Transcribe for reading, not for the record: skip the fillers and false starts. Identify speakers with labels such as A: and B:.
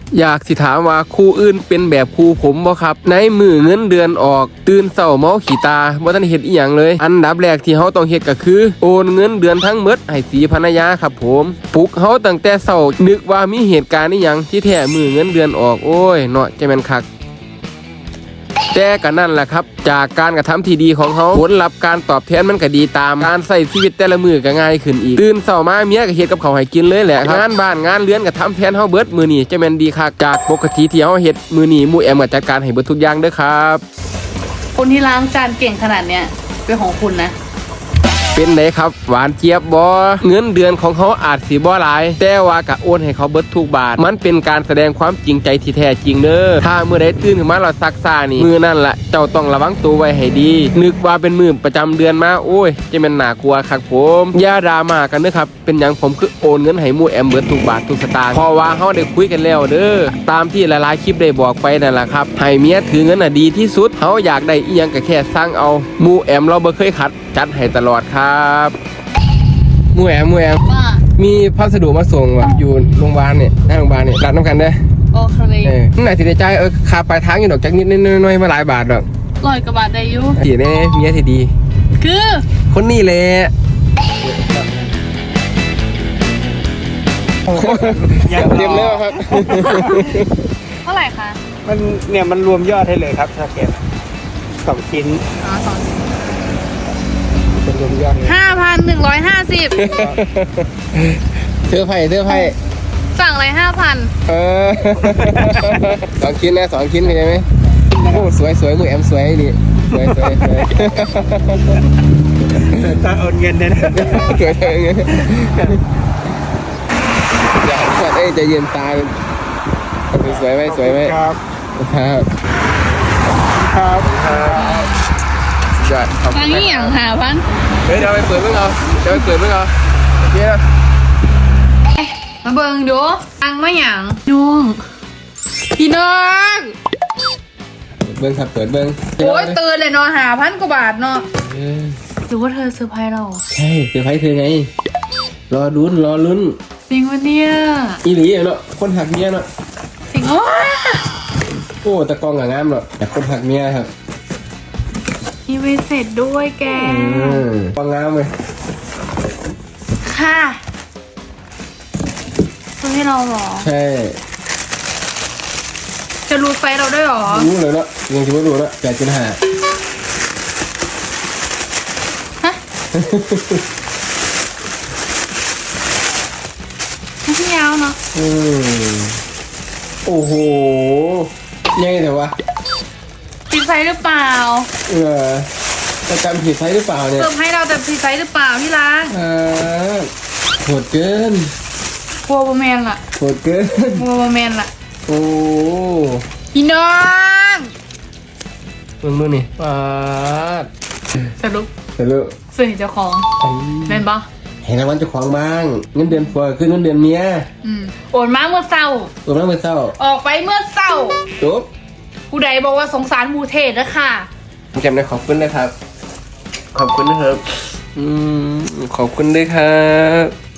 A: อยากสิถามว่าครูอื่นเป็นแบบครูผมบ่ครับในมือเงินเดือนออกตื่นเช้าเมาขี้ตาบ่ทันเฮ็ดอีหยังเลยอันดับแรกที่เฮาต้องเฮ็ดก็คือโอนเงินเดือนทั้งหมดให้สีภรรยาครับผมปลุกเฮาตั้งแต่เช้านึกว่ามีเหตุการณ์อีหยังที่แท้มือเงินเดือนออกโอ้ยเนาะจะแม่นคักแต่ก็นั่นแหละครับจากการกระทำที่ดีของเขาผลลัพธ์การตอบแทนมันก็ดีตามการใช้ชีวิตแต่ละมือก็ง่ายขึ้นอีกตื่นเช้ามาเมียก็เฮ็ดกับข้าวให้กินเลยแหละงานบ้านงานเรือนก็ทำแทนเฮาเบิดมื้อนี้จะแม่นดีคักจากปกติที่เฮาเฮ็ดมื้อนี้หมู่แอมก็จัดการให้เบิดทุกอย่างเด้อครับ
B: คนที่ล้างจานเก่งขนาดเนี้ยเป็นของคุณนะ
A: เป็นไงครับหวานเจี๊ยบบ่เงินเดือนของเขาอาจสิบ่หลายแต่ว่าก็โอนให้เขาเบิดทุกบาทมันเป็นการแสดงความจริงใจที่แท้จริงเด้อถ้ามื้อใดตื่นขึ้นมาแล้วซักซ่านี่มื้อนั่นล่ะเจ้าต้องระวังตัวไว้ให้ดีนึกว่าเป็นมื้อประจำเดือนมาโอ้ยจะแม่นน่ากลัวคักผมอย่าดราม่ากันเด้อครับเป็นหยังผมคือโอนเงินให้หมู่แอมเบิดทุกบาททุกสตางค์เพราะว่าเฮาได้คุยกันแล้วเด้อตามที่หลายๆคลิปได้บอกไปนั่นล่ะครับให้เมียถือเงินน่ะดีที่สุดเฮาอยากได้อีหยังก็แค่สั่งเอาหมู่แอมเราบ่เคยขัดจัดให้ตลอดครับมูแอม
B: ว่า
A: มีพัสดุมาส่งว่ะอยู่โรงพยาบาลเนี่ยหน้าโรงพยาบาลเนี่ยรับน้ำกันได้
B: โอเค
A: นั่นไหนสิได้ใจค่าปลายทางอยู่ดอกจักนิดน้อยมาหลายบาทดอก
B: 100 กว่าบาทได้อยู่
A: ดีแน่เมียที่ดี
B: คือ
A: คนนี้แหละเต็มแล้วครับ
B: เท่าไหร่คะ
C: มันรวมยอดให้เลยครับถ้าเก็บ2 ชิ้น
B: 2
C: เป็นรวมยอด
B: 5,150
A: เสื้อไผ่
B: สั่งอะไร
A: 2 ชิ้นนะ2 ชิ้นเข้าใจไหมโอ้สวยมือแอมสวยดิสวย
C: ตาโอนเงินเลยนะ
A: สวยเงี้ยอย่าหันใจเย็นตาสวยไหม
C: ครับ
A: ยอดขอบคุณ
B: ฟังนี่อย่าง5,000
A: เฮ้ยเดี๋ยวไปเปิดเมื่อเอาโอเคนะ
B: มาเบิ่งดูฟังมาอย่างน้องพี่น้อง
A: เบิ้งครับเปิดเบิ้ง
B: โอ้ยตื่นเลยเนาะ5,000 กว่าบาทเนาะหรือว่าเธอเซอร์ไพรส์เรา
A: ใช่เซอร์ไพรส์เธอไงรอลุ้น
B: จริงวะเนี่ย
A: อีหลีเนาะคนหักเมียเนาะ
B: จริง
A: โอ้ตะกองกับงามเนาะแต่คนหักเมียครับ
B: มีเวเสร็จด้วยแก
A: ปังงามเลย
B: ค่ะซื้อให้เราหรอ
A: ใช่
B: จะรู้ไฟเราด้วยหรอ
A: รู้เลยเนาะยังจะไม่รู้เนาะ8.5
B: ฮะไม่ยาวเนาะ
A: โอ้โหยังไงแต่ว่า
B: ผิดไซส์หรือเปล่า
A: จะจำผิดไซส์หรือเปล่าเนี่ย
B: เติมให้เราแต่ผิดไซส์หรือเปล่าพี่ล้าง
A: โหดเกิน
B: กลัวบแมนล่ะ
A: โหดเกิน
B: กลัวบแมนล่ะ
A: โอ้
B: พี่น้อง
A: มือนี่ปาด
B: สรุปสื่อเจ้าของแมนปะ
A: เห็นรางวัลเจ้าของบ้างเงินเดือนผัวคือเงินเดือนเมีย
B: โอนมาเมื่อเศร้าออกไปเมื่อเศร้า
A: จบ
B: ผู้ใดบอกว่าสงสารมูเทศนะค่ะ
A: จำได้ขอบคุณนะครับขอบคุณนะครับขอบคุณด้วยครับ